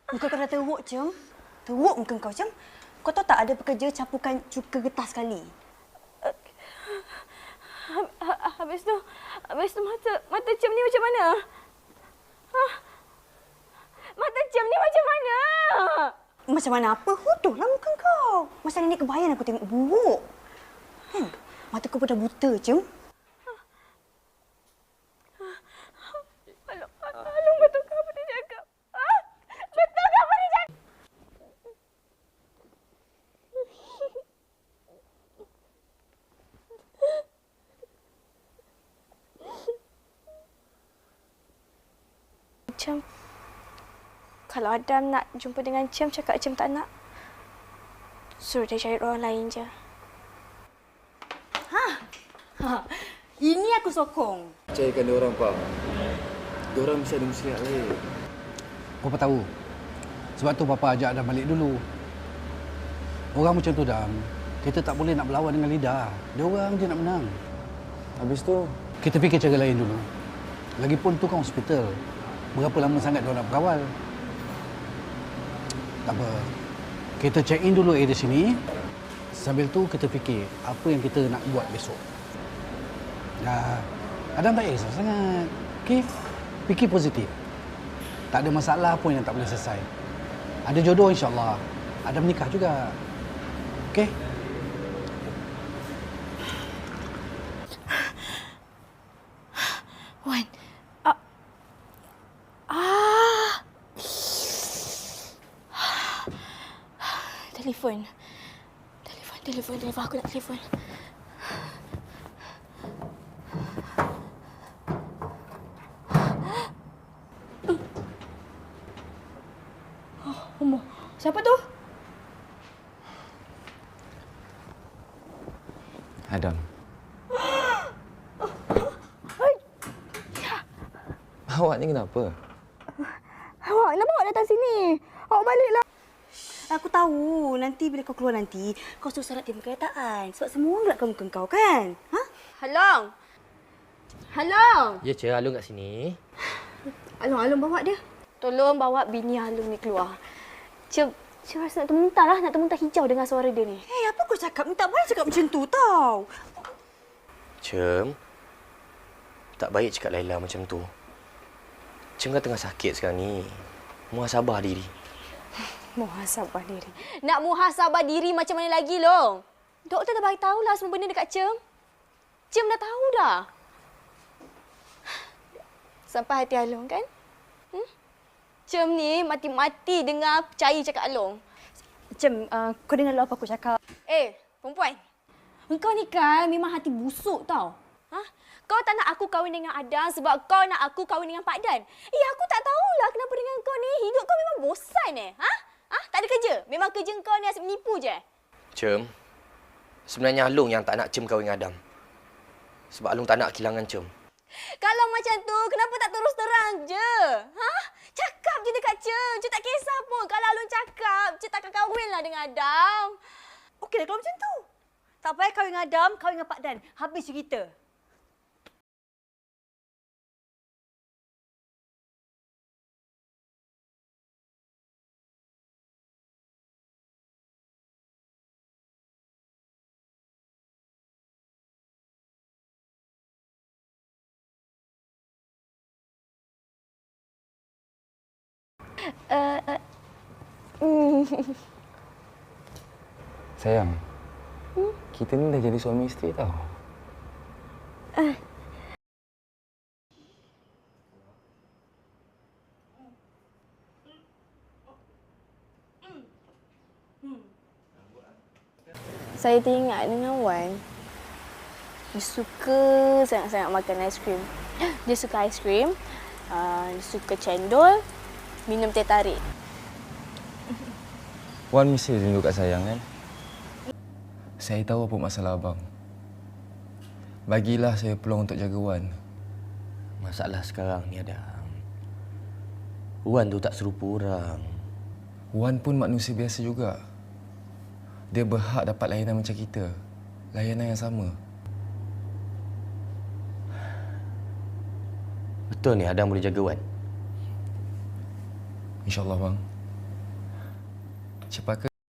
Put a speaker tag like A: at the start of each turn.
A: Muka kau dah teruk, Cem. Teruk muka kau, Cem. Kau tahu tak ada pekerja campurkan cuka getah sekali?
B: Habis tu mata Cem ni macam mana? Mata Cem ni macam mana?
A: Macam mana apa? Huduhlah muka kau. Masa nenek kebayang aku tengok buruk. Mata kau pun dah buta, Cem.
B: Alung, betul ke apa dia cakap? Betul ke apa dia cakap? Cem, kalau Adam nak jumpa dengan Cem, cakap Cem tak nak. Suruh dia cari orang lain je.
A: Ini aku sokong.
C: Percayakan dia orang, Pak. Dia orang mesti ada muslihat lain.
D: Papa tahu. Sebab tu Papa ajak Adam balik dulu. Orang macam tu, Dam. Kita tak boleh nak berlawan dengan lidah. Dia orang je nak menang.
C: Habis tu,
D: Kita fikir cara lain dulu. Lagipun tu kan hospital. Berapa lama sangat dia orang nak berkawal? Tak apa. Kita check in dulu area sini. Sambil tu kita fikir apa yang kita nak buat besok. Adam tak kisah sangat. Okey? Fikir positif. Tak ada masalah pun yang tak boleh selesai. Ada jodoh insya-Allah. Adam nikah juga. Okey?
B: Wan. Telefon. Aku nak telefon. Siapa tu?
C: Adam. Awak ni kenapa?
B: Awak kenapa awak datang sini? Awak baliklah.
A: Aku tahu. Nanti bila kau keluar nanti, kau suruh syarat dia perkataan. Sebab semua orang gelapkan muka kau, kan?
B: Halong.
E: Ya, Cik. Alung kat sini.
B: Along bawa dia. Tolong bawa bini Along ni keluar. Cik rasa nak termuntah hijau dengan suara dia ni.
A: Apa kau cakap ni? Tak boleh cakap macam tu, tau.
E: Cem, tak baik cakap Laila macam tu. Cem kan tengah sakit sekarang ni. Muhasabah diri.
B: Muhasabah diri. Nak muhasabah diri macam mana lagi, Long? Doktor dah bagi tahulah semua benda dekat Cem. Cem dah tahu dah. Sampai hati Along kan? Cem ni mati-mati dengar percaya cakap Along.
A: Cem, kau dengar dulu apa aku cakap.
B: Perempuan.
A: Engkau ni kan memang hati busuk, tau.
B: Kau tak nak aku kahwin dengan Adam sebab kau nak aku kahwin dengan Pak Dan. Aku tak tahulah kenapa dengan kau ni. Hidup kau memang bosan tak ada kerja. Memang kerja kau ni asyik menipu je.
E: Cem, sebenarnya Alung yang tak nak Cem kahwin dengan Adam. Sebab Alung tak nak kehilangan Cem.
B: Kalau macam tu, kenapa tak terus terang je? Cakap je dekat Cem. Cem tak kisah pun. Kalau Alung cakap, Cem takkan kahwinlah dengan Adam.
A: Okeylah kalau macam tu. Tak payah kahwin dengan Adam, kahwin dengan Pak Dan. Habis cerita.
C: Sayang, kita ni dah jadi suami isteri tau.
B: Saya teringat dengan Wan. Dia suka sangat-sangat makan aiskrim. Dia suka aiskrim, dia suka cendol, minum teh tarik.
C: Wan mesti rindu kat sayang kan? Saya tahu apa masalah abang. Bagilah saya peluang untuk jaga Wan.
E: Masalah sekarang ni Adam. Wan tu tak serupa orang.
C: Wan pun manusia biasa juga. Dia berhak dapat layanan macam kita. Layanan yang sama.
E: Betul ni Adam boleh jaga Wan?
C: InsyaAllah bang. Cepaka